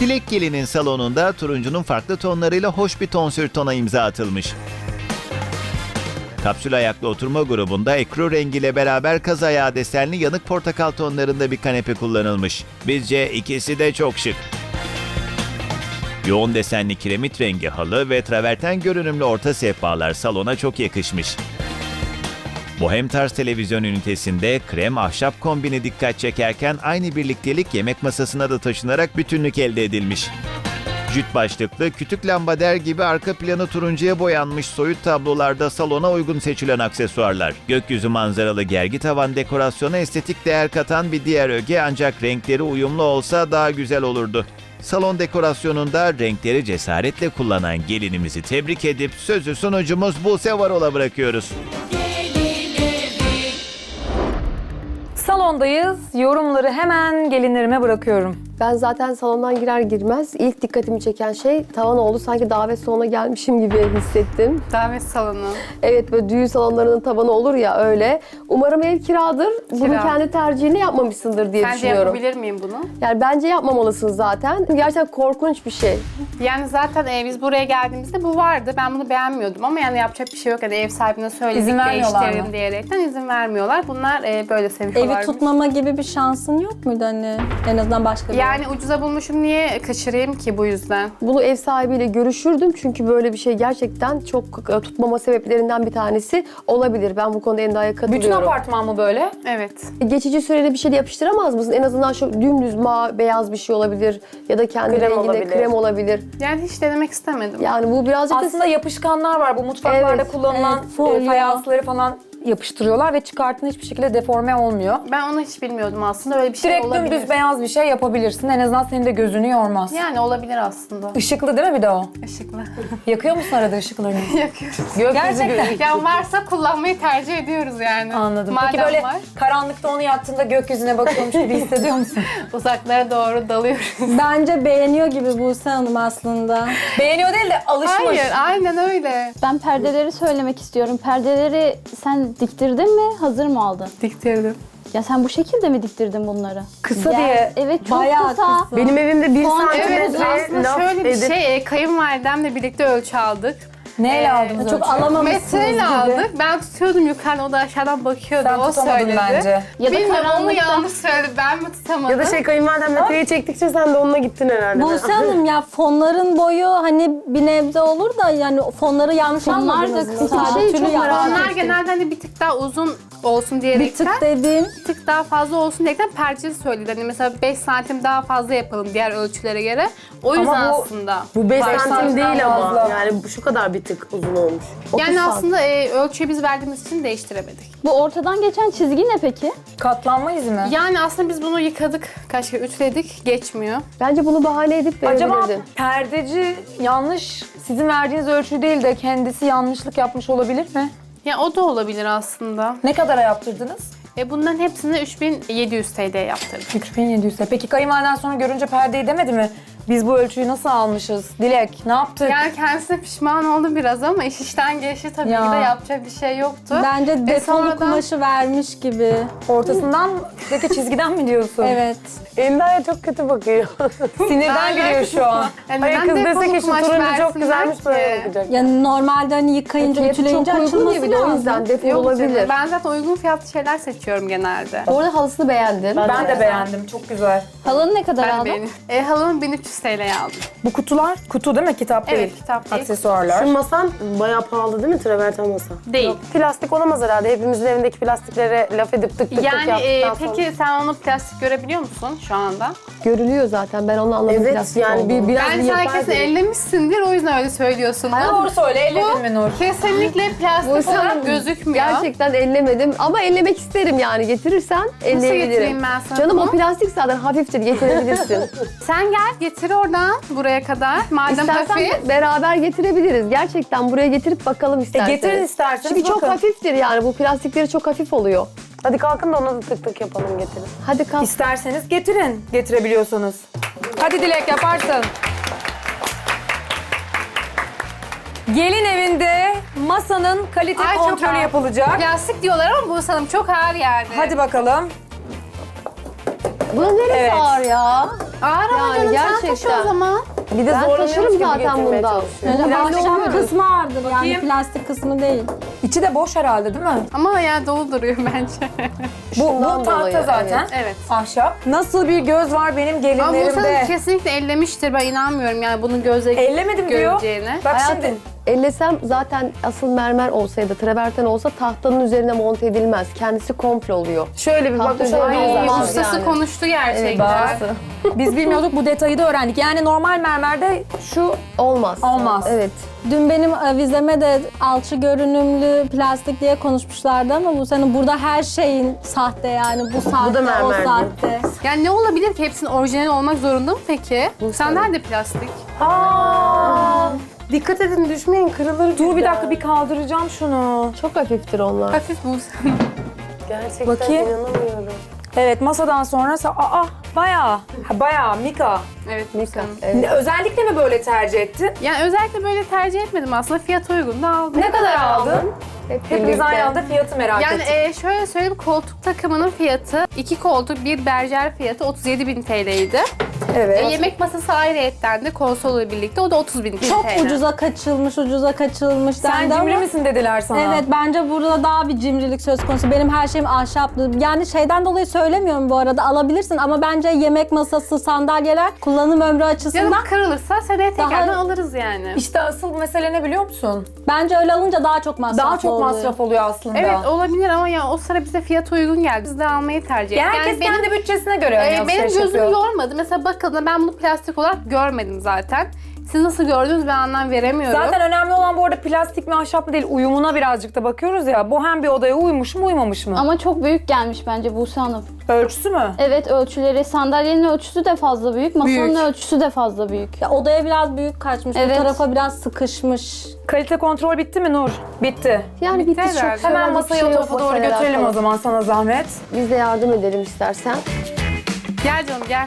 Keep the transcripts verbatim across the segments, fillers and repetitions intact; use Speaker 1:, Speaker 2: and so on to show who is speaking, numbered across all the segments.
Speaker 1: Dilek Gelin'in salonunda turuncunun farklı tonlarıyla hoş bir tonsür tona imza atılmış. Kapsül ayaklı oturma grubunda ekru rengiyle beraber kaz ayağı desenli yanık portakal tonlarında bir kanepe kullanılmış. Bizce ikisi de çok şık. Yoğun desenli kiremit rengi halı ve traverten görünümlü orta sehpalar salona çok yakışmış. Bohem tarz televizyon ünitesinde krem ahşap kombini dikkat çekerken aynı birliktelik yemek masasına da taşınarak bütünlük elde edilmiş. Jüt başlıklı, kütük lambader gibi arka planı turuncuya boyanmış soyut tablolarda salona uygun seçilen aksesuarlar. Gökyüzü manzaralı gergi tavan dekorasyona estetik değer katan bir diğer öge, ancak renkleri uyumlu olsa daha güzel olurdu. Salon dekorasyonunda renkleri cesaretle kullanan gelinimizi tebrik edip sözü sunucumuz Buse Varol'a bırakıyoruz.
Speaker 2: Salondayız. Yorumları hemen gelinlerime bırakıyorum.
Speaker 3: Ben zaten salondan girer girmez ilk dikkatimi çeken şey tavan oldu. Sanki davet salonuna gelmişim gibi hissettim.
Speaker 4: Davet salonu.
Speaker 3: Evet, böyle düğün salonlarının tavanı olur ya, öyle. Umarım ev kiradır. Bunu
Speaker 4: Kira.
Speaker 3: kendi tercihini yapmamışsındır diye
Speaker 4: Sence
Speaker 3: düşünüyorum.
Speaker 4: yapabilir miyim bunu?
Speaker 3: Yani bence yapmamalısın zaten. Gerçekten korkunç bir şey.
Speaker 4: Yani zaten e, biz buraya geldiğimizde bu vardı. Ben bunu beğenmiyordum ama yani yapacak bir şey yok. Yani ev sahibine söyledik,
Speaker 2: İzin vermiyorlar
Speaker 4: değiştirelim
Speaker 2: mı?
Speaker 4: diyerekten izin vermiyorlar. Bunlar e, böyle seviyorlar.
Speaker 5: Evi tutmama gibi bir şansın yok muydu hani? En azından başka bir
Speaker 4: Yani ucuza bulmuşum, niye kaçırayım ki bu yüzden?
Speaker 3: Bunu ev sahibiyle görüşürdüm çünkü böyle bir şey gerçekten çok e, tutmama sebeplerinden bir tanesi olabilir. Ben bu konuda Enda'ya katılıyorum.
Speaker 2: Bütün apartman mı böyle?
Speaker 4: Evet.
Speaker 3: Geçici süreli bir şey de yapıştıramaz mısın? En azından şu dümdüz ma beyaz bir şey olabilir ya da kendi
Speaker 6: Krem
Speaker 3: renginde
Speaker 6: olabilir.
Speaker 3: krem olabilir.
Speaker 4: Yani hiç denemek istemedim.
Speaker 3: Yani bu birazcık da
Speaker 2: Aslında yapışkanlar var. Bu mutfaklarda
Speaker 3: Evet,
Speaker 2: kullanılan
Speaker 5: evet, folyo.
Speaker 2: e, fayansları falan yapıştırıyorlar ve çıkarttığında hiçbir şekilde deforme olmuyor.
Speaker 4: Ben onu hiç bilmiyordum aslında. Öyle bir şey
Speaker 2: Direkt
Speaker 4: olabilir.
Speaker 2: dümdüz beyaz bir şey yapabilirsin. En azından senin de gözünü yormaz.
Speaker 4: Yani olabilir aslında.
Speaker 2: Işıklı değil mi bir de o?
Speaker 4: Işıklı.
Speaker 2: Yakıyor musun arada ışıklarını?
Speaker 4: Yakıyoruz.
Speaker 2: Gerçekten.
Speaker 4: Ya varsa kullanmayı tercih ediyoruz yani.
Speaker 2: Anladım.
Speaker 4: Madem
Speaker 2: Peki böyle
Speaker 4: var,
Speaker 2: karanlıkta onu yaktığında gökyüzüne bakıyormuş gibi hissediyor musun?
Speaker 4: uzaklara doğru dalıyoruz.
Speaker 5: Bence beğeniyor gibi Buse Hanım aslında.
Speaker 2: Beğeniyor değil de alışmış.
Speaker 4: Hayır, aynen öyle.
Speaker 7: Ben perdeleri söylemek istiyorum. Perdeleri sen diktirdin mi? Hazır mı aldın?
Speaker 4: Diktirdim.
Speaker 7: Ya sen bu şekilde mi diktirdin bunları?
Speaker 2: Kısa
Speaker 7: Ya,
Speaker 2: diye.
Speaker 7: Evet, çok
Speaker 2: Bayağı
Speaker 7: kısa.
Speaker 2: kısa.
Speaker 6: Benim evimde bir
Speaker 7: Puan-
Speaker 4: Evet,
Speaker 6: santimetre
Speaker 4: aslında
Speaker 6: laf
Speaker 4: şöyle bir
Speaker 6: edip
Speaker 4: şey, e, kayınvalidemle birlikte ölçü aldık.
Speaker 2: Neyle
Speaker 4: Ee,
Speaker 2: aldınız
Speaker 5: Çok
Speaker 2: ölçüyü?
Speaker 5: alamamışsınız
Speaker 4: Metreyle
Speaker 5: gibi.
Speaker 4: aldık. Ben tutuyordum yukarıdan, o da aşağıdan bakıyordu.
Speaker 2: Sen
Speaker 4: o
Speaker 2: tutamadın
Speaker 4: söyledi.
Speaker 2: bence.
Speaker 7: Ya da
Speaker 4: Bilmiyorum, onu
Speaker 7: karanlıkta.
Speaker 4: yanlış söyledi. Ben mi tutamadım?
Speaker 6: ya da şey kayınvalidem metreyi çektikçe sen de onunla gittin herhalde.
Speaker 5: Buse Hanım ya fonların boyu hani bir nebze olur da yani fonları yanlış
Speaker 7: Fonlar da
Speaker 5: anladınız mı?
Speaker 7: kısa.
Speaker 5: Sadece
Speaker 7: Şeyi
Speaker 5: tülü
Speaker 7: çok merak
Speaker 5: yaptınız.
Speaker 4: Onlar genelde hani bir tık daha uzun olsun
Speaker 5: Bir
Speaker 4: diyerekten,
Speaker 5: tık dediğim
Speaker 4: bir tık daha fazla olsun diyerekten perçeli söyledi. Hani mesela beş santim daha fazla yapalım diğer ölçülere göre. O yüzden
Speaker 2: bu-
Speaker 4: aslında.
Speaker 6: Bu beş
Speaker 2: Beş
Speaker 6: santim
Speaker 2: santimden
Speaker 6: değil ama
Speaker 2: fazla.
Speaker 6: yani bu şu kadar bir tık uzun olmuş.
Speaker 4: Yani
Speaker 3: santim.
Speaker 4: aslında e, ölçüyü biz verdiğimiz için değiştiremedik.
Speaker 7: Bu ortadan geçen çizgi ne peki?
Speaker 2: Katlanma izi mi?
Speaker 4: Yani aslında biz bunu yıkadık, kaç kere ütüledik, geçmiyor.
Speaker 3: bence bunu bahane edip
Speaker 2: Acaba
Speaker 3: verebilirdin.
Speaker 2: perdeci yanlış, sizin verdiğiniz ölçü değil de kendisi yanlışlık yapmış olabilir mi?
Speaker 4: Ya o da olabilir aslında.
Speaker 2: Ne kadara yaptırdınız?
Speaker 4: E bunların hepsini üç bin yedi yüz T L'ye yaptırdık.
Speaker 2: üç bin yedi yüz. Peki kayınvaliden sonra görünce perdeyi demedi mi? Biz bu ölçüyü nasıl almışız? Dilek, ne yaptık?
Speaker 4: Yani kendisi pişman oldu biraz ama iş işten geçti tabii
Speaker 2: Ya.
Speaker 4: ki de, yapacak bir şey yoktu.
Speaker 5: bence defolu
Speaker 4: sonradan-
Speaker 5: kumaşı vermiş gibi.
Speaker 2: Ortasından, peki çizgiden mi diyorsun?
Speaker 5: Evet.
Speaker 6: Enda'ya çok kötü bakıyor.
Speaker 2: Sinirden gülüyor şu an.
Speaker 4: Yani
Speaker 6: Hayır
Speaker 4: neden
Speaker 6: kız
Speaker 4: defolu
Speaker 6: dese ki şu
Speaker 4: kumaş
Speaker 6: turuncu çok
Speaker 4: versinler
Speaker 6: güzelmiş böyle
Speaker 4: ki?
Speaker 6: bakacak.
Speaker 5: Yani normalde hani yıkayınca,
Speaker 3: Fiyatı çok
Speaker 5: ütüleyince
Speaker 3: uygun
Speaker 5: açılması
Speaker 3: ya bir de o
Speaker 5: lazım.
Speaker 3: yüzden defol
Speaker 4: Yok canım,
Speaker 3: olabilir.
Speaker 4: ben zaten uygun fiyatlı şeyler seçiyorum genelde.
Speaker 3: Orada halısını beğendim.
Speaker 2: Ben de beğendim, çok güzel.
Speaker 7: Halını ne kadar
Speaker 4: Ben
Speaker 7: aldın?
Speaker 4: beğeniyorum. E, halımı bin üç yüz T L'ye aldım.
Speaker 2: Bu kutular, kutu değil mi? Kitap değil.
Speaker 4: Evet, kitap değil.
Speaker 2: Aksesuarlar.
Speaker 6: Şu masan bayağı pahalı değil mi traverten masa?
Speaker 4: Değil.
Speaker 6: Plastik olamaz herhalde. Hepimizin evindeki plastiklere laf edip tık tık tık
Speaker 4: Yani
Speaker 6: yaptıktan
Speaker 4: e,
Speaker 6: sonra.
Speaker 4: peki sen onu plastik görebiliyor musun şu anda?
Speaker 3: Görülüyor zaten, ben onu anladım.
Speaker 6: Evet
Speaker 3: plastik
Speaker 6: yani bir,
Speaker 3: olduğunu.
Speaker 6: biraz
Speaker 4: Ben
Speaker 6: bir
Speaker 4: sen
Speaker 6: yapar
Speaker 4: kesin
Speaker 6: dedim.
Speaker 4: ellemişsindir, o yüzden öyle söylüyorsun.
Speaker 2: Doğru söyle, elledin mi Nur?
Speaker 4: Kesinlikle plastik
Speaker 3: Buse
Speaker 4: olarak
Speaker 3: Hanım,
Speaker 4: gözükmüyor.
Speaker 3: Gerçekten ellemedim ama ellemek isterim yani, getirirsen elleyebilirim.
Speaker 4: getireyim ben sana
Speaker 3: Canım
Speaker 4: bunu?
Speaker 3: o plastik zaten hafiftir, getirebilirsin.
Speaker 4: Sen gel, getir oradan buraya kadar. Madem
Speaker 3: İstersen
Speaker 4: hafif.
Speaker 3: beraber getirebiliriz. Gerçekten buraya getirip bakalım
Speaker 2: E
Speaker 3: isterseniz.
Speaker 2: getirin isterseniz
Speaker 3: Çünkü çok
Speaker 2: bakın.
Speaker 3: hafiftir yani, bu plastikleri çok hafif oluyor.
Speaker 6: Hadi kalkın da ona da tık tık yapalım getirin.
Speaker 3: Hadi kalk.
Speaker 2: İsterseniz getirin, getirebiliyorsanız. Hadi Dilek, yaparsın. Gelin evinde masanın kalite
Speaker 4: Ay, çok
Speaker 2: kontrolü
Speaker 4: ağır.
Speaker 2: yapılacak.
Speaker 4: Plastik diyorlar ama bu sanırım çok ağır yani.
Speaker 2: Hadi bakalım.
Speaker 3: Bunun neresi
Speaker 2: Evet.
Speaker 3: ağır ya?
Speaker 4: Ağır ama
Speaker 3: Yani
Speaker 4: canım sen
Speaker 3: gerçekten.
Speaker 4: taşı o zaman.
Speaker 6: Bir de
Speaker 3: Ben
Speaker 6: zorlanıyormuş
Speaker 3: taşırım
Speaker 6: gibi
Speaker 3: zaten
Speaker 6: getirmeye
Speaker 3: bundan.
Speaker 6: çalışıyor.
Speaker 5: Yani
Speaker 2: Plastik
Speaker 5: ahşap
Speaker 2: mi?
Speaker 5: kısmı vardır yani
Speaker 2: Bakayım.
Speaker 5: plastik kısmı değil.
Speaker 2: İçi de boş herhalde değil mi?
Speaker 4: Ama ya dolu duruyor bence.
Speaker 2: Bu, bu
Speaker 3: Şundan
Speaker 2: tahta
Speaker 3: dolayı,
Speaker 2: zaten.
Speaker 4: Evet.
Speaker 2: Ahşap. Nasıl bir göz var benim
Speaker 4: Ama bu sana
Speaker 2: gelinlerimde?
Speaker 4: kesinlikle ellemiştir. Ben inanmıyorum yani bunun gözle
Speaker 2: Ellemedim diyor.
Speaker 4: göreceğine.
Speaker 2: Bak
Speaker 3: Hayatım,
Speaker 2: şimdi.
Speaker 3: ellesem zaten asıl mermer olsaydı, traverten olsa tahtanın üzerine monte edilmez. Kendisi komple oluyor.
Speaker 6: Şöyle bir bak
Speaker 3: Tahta
Speaker 6: şöyle
Speaker 3: üzerine
Speaker 6: bir
Speaker 4: Ay,
Speaker 3: olmaz
Speaker 4: ustası
Speaker 3: yani.
Speaker 4: konuştu gerçekten.
Speaker 2: Bazı. Biz bilmiyorduk, bu detayı da öğrendik. Yani normal mermerde şu
Speaker 3: Olmaz.
Speaker 2: Olmaz.
Speaker 3: Evet.
Speaker 5: Dün benim avizeme de alçı görünümlü plastik diye konuşmuşlardı ama bu senin burada her şeyin sahte yani bu sahte o
Speaker 6: mermer.
Speaker 5: sahte.
Speaker 4: Yani ne olabilir ki? Hepsinin orijinal olmak zorunda mı peki? Senden de plastik.
Speaker 6: Aa, dikkat edin düşmeyin kırılır.
Speaker 2: dur bir
Speaker 6: cidden.
Speaker 2: dakika bir kaldıracağım şunu.
Speaker 3: Çok hafiftir onlar.
Speaker 4: Hafif bu.
Speaker 6: Gerçekten
Speaker 2: Bakayım.
Speaker 6: inanamıyorum.
Speaker 2: Evet, masadan sonra sa- aa bayağı ha, bayağı Mika.
Speaker 4: Evet.
Speaker 3: Mika.
Speaker 4: Mika.
Speaker 3: Evet.
Speaker 2: Özellikle mi böyle tercih ettin?
Speaker 4: Yani özellikle böyle tercih etmedim aslında. Fiyat uygun da aldım.
Speaker 2: Ne kadar aldın?
Speaker 3: Hep
Speaker 2: Hepimiz
Speaker 3: birlikte.
Speaker 2: aynı anda fiyatı merak
Speaker 4: Yani
Speaker 2: ettik.
Speaker 4: e, şöyle söyleyeyim, koltuk takımının fiyatı, iki koltuk, bir berjer fiyatı otuz yedi bin T L'ydi.
Speaker 2: Evet.
Speaker 4: E, yemek masası ayrıyetten de konsolla birlikte o da otuz bin T L.
Speaker 5: Çok ucuza kaçılmış, ucuza kaçılmış
Speaker 2: Sen
Speaker 5: dendi
Speaker 2: cimri
Speaker 5: ama-
Speaker 2: misin dediler sana.
Speaker 5: Evet, bence burada daha bir cimrilik söz konusu. Benim her şeyim ahşaplı. Yani şeyden dolayı söylemiyorum bu arada, alabilirsin ama bence yemek masası, sandalyeler kullanım ömrü açısından
Speaker 4: Canım kırılırsa seneye
Speaker 5: Daha-
Speaker 4: tekrardan alırız yani.
Speaker 2: İşte asıl mesele ne biliyor musun?
Speaker 5: bence öyle alınca daha çok masraf
Speaker 2: Daha çok
Speaker 5: oluyor.
Speaker 2: masraf oluyor aslında.
Speaker 4: Evet olabilir ama ya o sıra bize fiyat uygun geldi. Biz de almayı tercih ettik.
Speaker 2: Ya herkes
Speaker 4: benim,
Speaker 2: kendi bütçesine göre
Speaker 4: e,
Speaker 2: hani
Speaker 4: benim
Speaker 2: alışveriş
Speaker 4: gözüm
Speaker 2: yapıyor.
Speaker 4: yormadı. Mesela bakın ben bunu plastik olarak görmedim zaten. Siz nasıl gördünüz ben anlam veremiyorum.
Speaker 2: Zaten önemli olan bu arada plastik mi ahşap mı değil, uyumuna birazcık da bakıyoruz ya. Bohem bir odaya uymuş mu uymamış mı?
Speaker 7: Ama çok büyük gelmiş bence Buse Hanım.
Speaker 2: Ölçüsü mü?
Speaker 7: Evet ölçüleri, sandalyenin ölçüsü de fazla büyük, masanın
Speaker 4: Büyük.
Speaker 7: ölçüsü de fazla büyük.
Speaker 5: Ya odaya biraz büyük kaçmış,
Speaker 7: Evet.
Speaker 5: bu tarafa biraz sıkışmış.
Speaker 2: Kalite kontrol bitti mi Nur? Bitti.
Speaker 3: Yani bitti çok.
Speaker 4: herhalde.
Speaker 2: Hemen
Speaker 3: söyleyecek
Speaker 2: masayı
Speaker 3: bir
Speaker 2: o
Speaker 3: şey yok
Speaker 2: tarafa doğru
Speaker 3: masayla
Speaker 2: götürelim
Speaker 3: alakalı.
Speaker 2: o zaman, sana zahmet.
Speaker 3: Biz de yardım edelim istersen.
Speaker 4: Gel canım gel.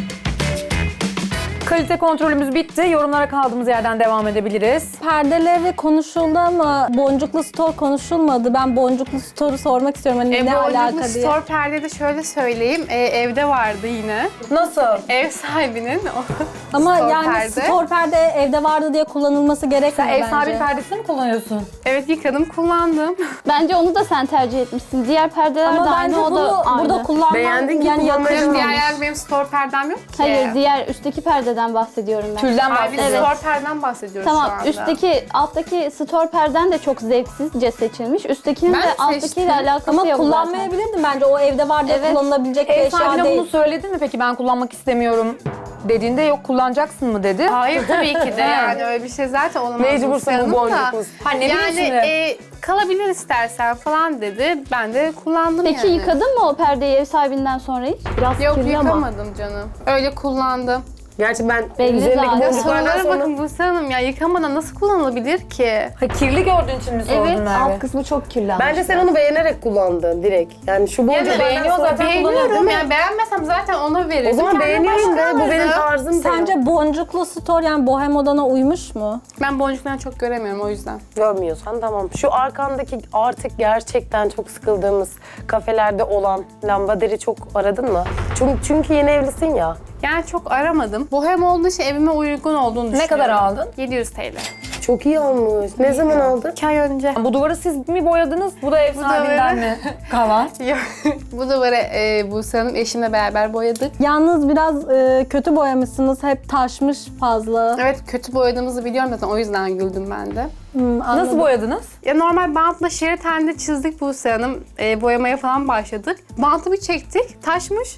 Speaker 2: Kalite kontrolümüz bitti. Yorumlara kaldığımız yerden devam edebiliriz.
Speaker 5: Perdeleri konuşuldu ama boncuklu stor konuşulmadı. Ben boncuklu storu sormak istiyorum hani
Speaker 4: E,
Speaker 5: ne
Speaker 4: bu
Speaker 5: alaka
Speaker 4: boncuklu
Speaker 5: diye.
Speaker 4: store perdede şöyle söyleyeyim. E, evde vardı yine.
Speaker 2: Nasıl?
Speaker 4: Ev sahibinin o
Speaker 5: Ama
Speaker 4: store
Speaker 5: yani
Speaker 4: perde.
Speaker 5: stor perde evde vardı diye kullanılması gerekmiyor
Speaker 2: Ev
Speaker 5: bence.
Speaker 2: sahibi perdesini mi kullanıyorsun?
Speaker 4: Evet yıkadım kullandım.
Speaker 7: Bence onu da sen tercih etmişsin. Diğer perdeler
Speaker 5: Ama
Speaker 7: de
Speaker 5: bence
Speaker 7: aynı, o
Speaker 5: bunu
Speaker 7: da aynı.
Speaker 5: burada kullanman
Speaker 6: Beğendin ki
Speaker 5: yani
Speaker 6: kullanmayı
Speaker 5: yakışmamış.
Speaker 4: Diğer yer benim store perdem yok ki.
Speaker 7: Hayır, diğer üstteki perdeden bahsediyorum ben.
Speaker 2: Tülden
Speaker 4: Abi biz
Speaker 2: bahsediyorum.
Speaker 4: store perdeden bahsediyoruz şu
Speaker 7: Tamam,
Speaker 4: anda.
Speaker 7: üstteki, alttaki store perden de çok zevksizce seçilmiş. Üsttekinin
Speaker 4: Ben
Speaker 7: de
Speaker 4: seçtim.
Speaker 7: alttakiyle alakası
Speaker 5: Ama
Speaker 7: yok zaten.
Speaker 5: kullanmayabilirdin bence. O evde var diye
Speaker 7: Evet.
Speaker 5: kullanılabilecek bir
Speaker 2: Ev
Speaker 5: eşya
Speaker 2: sahibine
Speaker 5: değil.
Speaker 2: bunu söyledin mi peki, ben kullanmak istemiyorum dediğinde yok kullanacaksın mı dedi.
Speaker 4: Hayır tabii ki de yani öyle bir şey zaten olamaz.
Speaker 6: Mecbursun
Speaker 4: Buse Hanım
Speaker 6: bu
Speaker 4: da.
Speaker 6: boncuklu.
Speaker 2: Ha, ne bileyim
Speaker 4: Yani
Speaker 2: şimdi?
Speaker 4: e, kalabilir istersen falan dedi. Ben de kullandım
Speaker 7: Peki
Speaker 4: yani.
Speaker 7: yıkadın mı o perdeyi ev sahibinden sonra hiç? Biraz
Speaker 4: Yok
Speaker 7: kirli ama.
Speaker 4: yıkamadım canım. Öyle kullandım.
Speaker 6: Gerçi ben
Speaker 7: Belli
Speaker 6: üzerindeki
Speaker 7: zaten.
Speaker 6: boncuklardan
Speaker 4: Sorulara
Speaker 6: sonra...
Speaker 4: bakın Buse Hanım ya yıkamadan nasıl kullanılabilir ki?
Speaker 2: Ha, kirli gördüğün için mi sordun
Speaker 7: Evet,
Speaker 2: Merve?
Speaker 3: Alt kısmı çok kirlenmiş.
Speaker 6: Bence sen onu beğenerek kullandın direkt. Yani şu boncuklardan
Speaker 2: beğeniyor
Speaker 6: sonra...
Speaker 2: zaten.
Speaker 4: Beğeniyorum
Speaker 2: kullanıyor, değil
Speaker 4: yani beğenmesem zaten ona verirdim.
Speaker 6: O zaman
Speaker 4: Kendime
Speaker 6: beğeniyorum
Speaker 4: başka
Speaker 6: de bu benim
Speaker 4: alırdım.
Speaker 6: tarzım de.
Speaker 5: Sence boncuklu stor yani bohem odana uymuş mu?
Speaker 4: Ben boncuklarını çok göremiyorum o yüzden.
Speaker 6: Görmüyorsan tamam. Şu arkandaki artık gerçekten çok sıkıldığımız kafelerde olan lambaları çok aradın mı? Çünkü, çünkü yeni evlisin ya.
Speaker 4: Yani çok aramadım. Bohem olduğu için evime uygun olduğunu düşünüyorum.
Speaker 2: Ne kadar aldın?
Speaker 4: yedi yüz T L.
Speaker 6: Çok iyi olmuş. Ne zaman aldın?
Speaker 4: iki ay önce.
Speaker 2: Bu duvarı siz mi boyadınız? Bu da ev
Speaker 4: Bu
Speaker 2: sahibinden
Speaker 4: duvarı-
Speaker 2: mi kalan?
Speaker 4: Yok. Bu duvarı e, Buse Hanım eşimle beraber boyadık.
Speaker 5: Yalnız biraz e, kötü boyamışsınız. Hep taşmış fazla.
Speaker 4: Evet kötü boyadığımızı biliyorum zaten o yüzden güldüm ben de.
Speaker 5: Hmm,
Speaker 2: Nasıl
Speaker 5: anladım.
Speaker 2: boyadınız?
Speaker 4: Ya normal bantla şerit halinde çizdik Buse Hanım. E, boyamaya falan başladık. Bantı bir çektik, taşmış.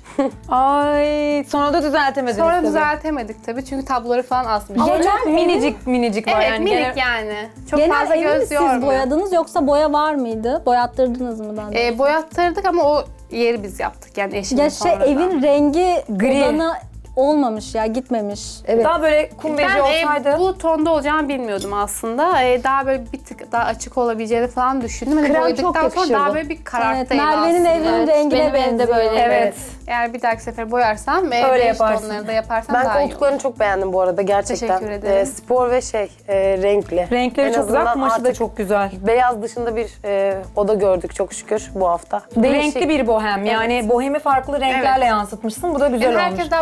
Speaker 2: Ay, sonra da düzeltemediniz
Speaker 4: Sonra
Speaker 2: tabii.
Speaker 4: düzeltemedik tabii çünkü tabloları falan asmış.
Speaker 2: Ama
Speaker 5: Genel
Speaker 2: çok minicik minicik var
Speaker 4: Evet
Speaker 2: yani.
Speaker 4: minik
Speaker 2: Genel-
Speaker 4: yani. Çok
Speaker 5: Genel
Speaker 4: fazla
Speaker 5: evi mi
Speaker 4: göz
Speaker 5: siz
Speaker 4: yormuyor.
Speaker 5: boyadınız yoksa boya var mıydı? Boyattırdınız mı ben de?
Speaker 4: E, boyattırdık ama o yeri biz yaptık yani eşimle
Speaker 5: ya şey
Speaker 4: sonradan.
Speaker 5: evin rengi
Speaker 2: Gri.
Speaker 5: odana olmamış ya, gitmemiş.
Speaker 3: Evet.
Speaker 2: Daha böyle kum beji
Speaker 4: Ben
Speaker 2: olsaydı.
Speaker 4: e, bu tonda olacağını bilmiyordum aslında. E, daha böyle bir tık daha açık olabileceğini falan düşündüm. Hani
Speaker 3: Krem
Speaker 4: boyadıktan
Speaker 3: çok
Speaker 4: sonra daha
Speaker 3: yakışırdı.
Speaker 4: böyle bir kararttı
Speaker 5: Evet,
Speaker 4: ev
Speaker 5: Merve'nin
Speaker 4: aslında.
Speaker 5: evinin
Speaker 7: Evet,
Speaker 5: rengine
Speaker 7: benim evde
Speaker 5: benziyor.
Speaker 7: böyle.
Speaker 2: Evet.
Speaker 4: Eğer bir dahaki sefer boyarsam ve
Speaker 2: Öyle
Speaker 4: beige
Speaker 2: yaparsın.
Speaker 4: tonları da yaparsam
Speaker 6: Ben
Speaker 4: daha iyi olur.
Speaker 6: koltuklarını çok beğendim bu arada gerçekten.
Speaker 4: Teşekkür ederim.
Speaker 6: Ee, spor ve şey e, renkli.
Speaker 2: Renkleri
Speaker 6: En
Speaker 2: çok güzel,
Speaker 6: azından
Speaker 2: kumaşı da
Speaker 6: artık
Speaker 2: çok güzel.
Speaker 6: Beyaz dışında bir e, oda gördük çok şükür bu hafta.
Speaker 2: Renkli bir bohem, yani bohemi farklı renklerle yansıtmışsın. Bu da güzel
Speaker 4: Yani
Speaker 2: olmuş.
Speaker 4: herkes daha böyle beige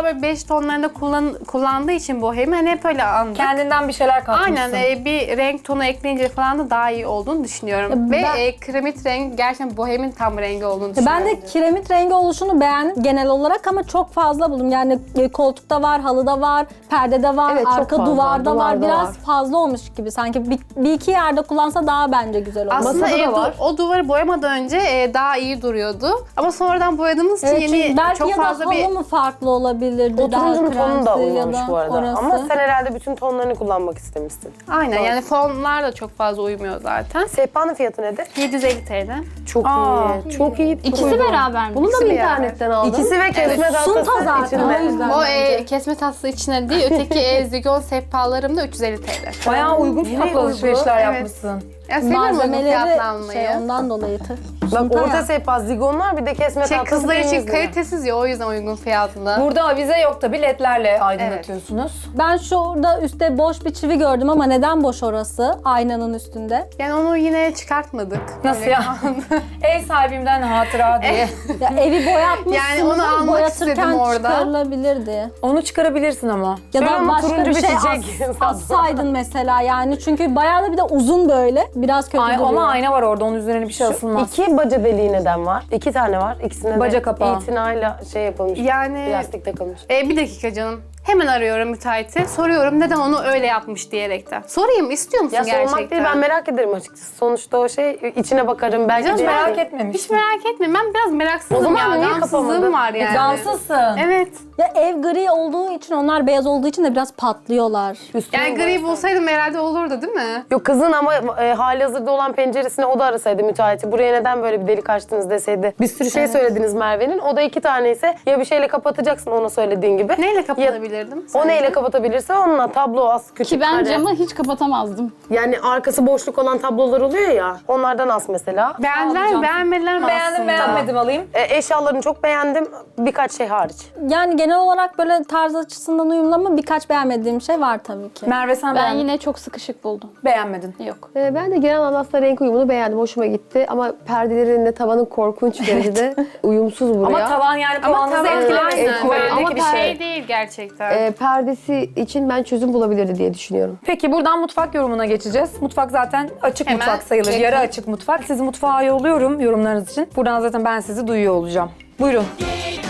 Speaker 4: beş tonlarında kullan, kullandığı için bohemi hani hep öyle anladık.
Speaker 2: Kendinden bir şeyler katmışsın.
Speaker 4: Aynen e, bir renk tonu ekleyince falan da daha iyi olduğunu düşünüyorum.
Speaker 5: Ya
Speaker 4: Ve
Speaker 5: ben-
Speaker 4: e, kremit renk gerçekten bohemin tam rengi olduğunu
Speaker 5: Ya
Speaker 4: düşünüyorum.
Speaker 5: Ben de kiremit rengi oluşunu beğendim genel olarak ama çok fazla buldum. Yani e, koltukta var, halıda var, perdede var,
Speaker 3: Evet, çok
Speaker 5: arka
Speaker 3: fazla,
Speaker 5: duvarda, var.
Speaker 3: duvarda
Speaker 5: Biraz
Speaker 3: var.
Speaker 5: fazla olmuş gibi sanki. Bir, bir iki yerde kullansa daha bence güzel olur.
Speaker 4: Aslında
Speaker 3: Masada da
Speaker 4: ev du-
Speaker 3: var.
Speaker 4: o duvarı boyamadan önce e, daha iyi duruyordu. Ama sonradan boyadığımız için
Speaker 5: Evet,
Speaker 4: yeni
Speaker 5: çünkü belki
Speaker 4: çok
Speaker 5: ya da
Speaker 4: fazla
Speaker 5: halı
Speaker 4: bir...
Speaker 5: mı farklı olabilirdi?
Speaker 6: O
Speaker 5: daha
Speaker 6: turuncunun tonu da
Speaker 5: kremsi ya
Speaker 6: uymamış
Speaker 5: da
Speaker 6: bu arada.
Speaker 5: orası.
Speaker 6: Ama sen herhalde bütün tonlarını kullanmak istemişsin.
Speaker 4: Aynen yani fonlar da çok fazla uymuyor zaten.
Speaker 6: Sehpanın fiyatı nedir?
Speaker 4: yedi yüz elli TL.
Speaker 6: Çok
Speaker 2: Aa,
Speaker 6: iyi. Çok iyi.
Speaker 7: İkisi beraber mi?
Speaker 3: Bunu da mı
Speaker 4: İkisi bir
Speaker 3: internetten aldın?
Speaker 6: İkisi ve kesme
Speaker 5: Sunta
Speaker 6: tahtası
Speaker 5: zaten,
Speaker 6: içinde.
Speaker 5: o yüzden.
Speaker 4: O e, kesme tatlısı içine değil, öteki e, zigon sehpalarım da üç yüz elli TL.
Speaker 2: Bayağı uygun fiyatlı
Speaker 6: uygun,
Speaker 2: alışverişler
Speaker 4: evet.
Speaker 2: yapmışsın.
Speaker 4: Ya seviyorum uygun
Speaker 5: Malzemeleri
Speaker 4: fiyatlanmayı.
Speaker 5: şey ondan dolayı. tı-
Speaker 6: Bak
Speaker 5: sunta
Speaker 6: orta
Speaker 5: ya.
Speaker 6: sehpa zigonlar bir de kesme
Speaker 4: Şey,
Speaker 6: tahtası.
Speaker 4: kızlar için
Speaker 6: temizliği.
Speaker 4: kalitesiz ya o yüzden uygun fiyatlı.
Speaker 2: Burada avize yok tabii ledlerle aydınlatıyorsunuz.
Speaker 5: Ben şurada üstte boş bir çivi gördüm ama neden boş orası? Aynanın üstünde.
Speaker 4: Yani onu yine çıkartmadık.
Speaker 2: Nasıl
Speaker 4: Öyle
Speaker 2: ya?
Speaker 4: kaldı.
Speaker 2: Ev sahibimden hatıra diye.
Speaker 5: Ya evi boyatmışsınız.
Speaker 4: Yani onu almak
Speaker 5: boyatırken
Speaker 4: istedim orada.
Speaker 5: çıkarılabilirdi.
Speaker 2: Onu çıkarabilirsin ama.
Speaker 5: Ya
Speaker 6: Şöyle
Speaker 5: da
Speaker 6: ama
Speaker 5: başka
Speaker 6: turuncu
Speaker 5: bir
Speaker 6: bir
Speaker 5: şey
Speaker 6: çiçek.
Speaker 5: as, assaydın mesela yani. Çünkü bayağı da bir de uzun böyle. Biraz kötü
Speaker 2: Ay,
Speaker 5: duruyor.
Speaker 2: ama ayna var orada, onun üzerine bir şey asılmaz.
Speaker 6: İki baca deliği neden var? İki tane var. İkisine
Speaker 2: Baca
Speaker 6: de
Speaker 2: kapağı.
Speaker 6: itinayla şey yapılmış.
Speaker 4: Yani
Speaker 6: Plastik takılmış.
Speaker 4: e, bir dakika canım. Hemen arıyorum müteahhiti. Soruyorum neden onu öyle yapmış diyerekten. Sorayım istiyor musun
Speaker 6: Ya
Speaker 4: gerçekten?
Speaker 6: sormak değil, ben merak ederim açıkçası. Sonuçta o şey içine bakarım belki.
Speaker 4: Canım
Speaker 6: de-
Speaker 2: Merak etmemiş.
Speaker 4: Hiç merak etme. Ben biraz meraksızım
Speaker 6: O zaman
Speaker 4: ya.
Speaker 6: niye
Speaker 4: Gamsızlığım
Speaker 6: kapamadın?
Speaker 4: var yani.
Speaker 2: Gamsızsın.
Speaker 4: Evet.
Speaker 5: Ya ev gri olduğu için, onlar beyaz olduğu için de biraz patlıyorlar.
Speaker 4: Yani gri bulsaydım herhalde olurdu değil mi?
Speaker 6: Yok kızın ama e, hali hazırda olan penceresine o da arasaydı müteahhiti. Buraya neden böyle bir delik açtınız deseydi. Bir sürü şey söylediniz Merve'nin. O da iki tane ise ya bir şeyle kapatacaksın ona söylediğin gibi.
Speaker 4: Neyle
Speaker 6: Ya,
Speaker 4: kapatabilirdim?
Speaker 6: o
Speaker 4: sence?
Speaker 6: neyle kapatabilirse onunla tablo az küçük.
Speaker 7: Ki ben
Speaker 6: kare.
Speaker 7: camı hiç kapatamazdım.
Speaker 6: Yani arkası boşluk olan tablolar oluyor ya. Onlardan as mesela.
Speaker 4: Beğendiler mi beğenmediler mi
Speaker 2: Beğendim
Speaker 4: aslında?
Speaker 2: beğenmedim alayım.
Speaker 6: E, eşyalarını çok beğendim. Birkaç şey hariç.
Speaker 5: Yani genel olarak böyle tarz açısından uyumlu ama birkaç beğenmediğim şey var tabii ki.
Speaker 2: Merve sen
Speaker 7: Ben
Speaker 2: beğendin.
Speaker 7: yine çok sıkışık buldum.
Speaker 2: Beğenmedin.
Speaker 7: Yok.
Speaker 3: Ee, ben de genel anlamda renk uyumunu beğendim. Hoşuma gitti. Ama perdelerinle tavanın korkunç derecede uyumsuz buraya.
Speaker 2: Ama tavan yani
Speaker 4: Ama
Speaker 2: puanınızı
Speaker 4: tavan
Speaker 2: etkilemesin.
Speaker 4: aynen.
Speaker 2: Tuvalindeki
Speaker 4: Ama
Speaker 2: bir
Speaker 4: şey
Speaker 2: şey.
Speaker 4: değil gerçekten.
Speaker 3: Ee, perdesi için ben çözüm bulabilirdi diye düşünüyorum.
Speaker 2: Peki buradan mutfak yorumuna geçeceğiz. Mutfak zaten açık
Speaker 4: Hemen
Speaker 2: mutfak sayılır.
Speaker 4: yakın.
Speaker 2: Yarı açık mutfak. Sizi mutfağa yolluyorum yorumlarınız için. Buradan zaten ben sizi duyuyor olacağım. Buyurun.